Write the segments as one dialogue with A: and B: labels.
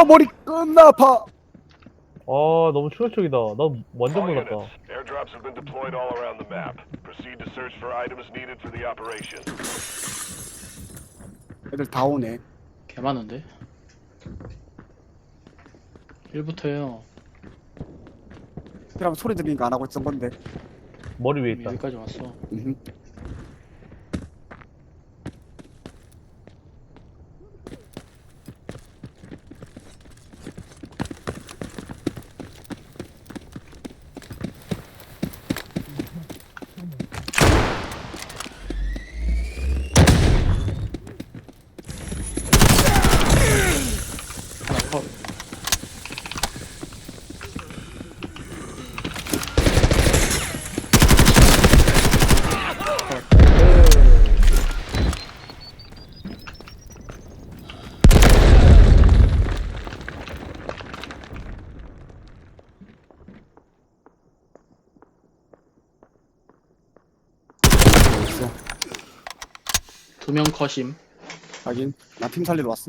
A: 머리 끝나 아파.
B: 너무 충격적이다. 나 완전
C: All
B: 몰랐다.
C: units, airdrops have been deployed all around the map. Proceed to search for items needed for the operation.
A: 애들 다 오네.
D: 개 많은데? 1부터요.
A: 그럼 소리 들리니까 안 하고 있던 건데.
B: 머리 위에 있다.
D: 여기까지 왔어.
A: 음흠.
D: 하나 컷.
A: 있어.
D: 2명 컷임.
A: 하긴 나 팀 살리러 왔음.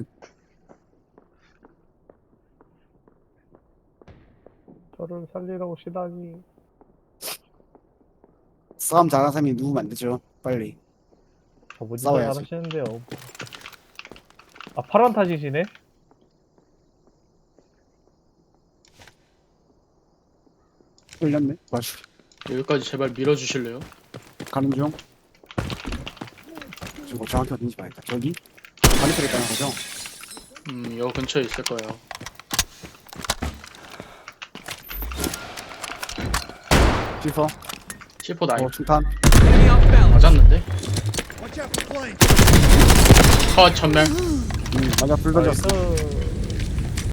B: 저를 살리라고 시다니.
A: 싸움 잘하는 사람이 누우면 안 되죠. 빨리.
B: 뭐지
A: 싸워야지.
B: 잘하시는데요. 아 파란 타짓이네?
A: 끌렸네. 맞아.
D: 여기까지 제발 밀어주실래요?
A: 가는 중. 지금 정확히 어딘지 봐야겠다. 저기? 반대쪽에 있다는 거죠?
D: 여 근처에 있을 거예요.
A: 지퍼.
D: C4 나이
A: 중탄.
D: 맞았는데? 컷 전멸.
A: 맞아, 불 던졌어.
B: 나이스.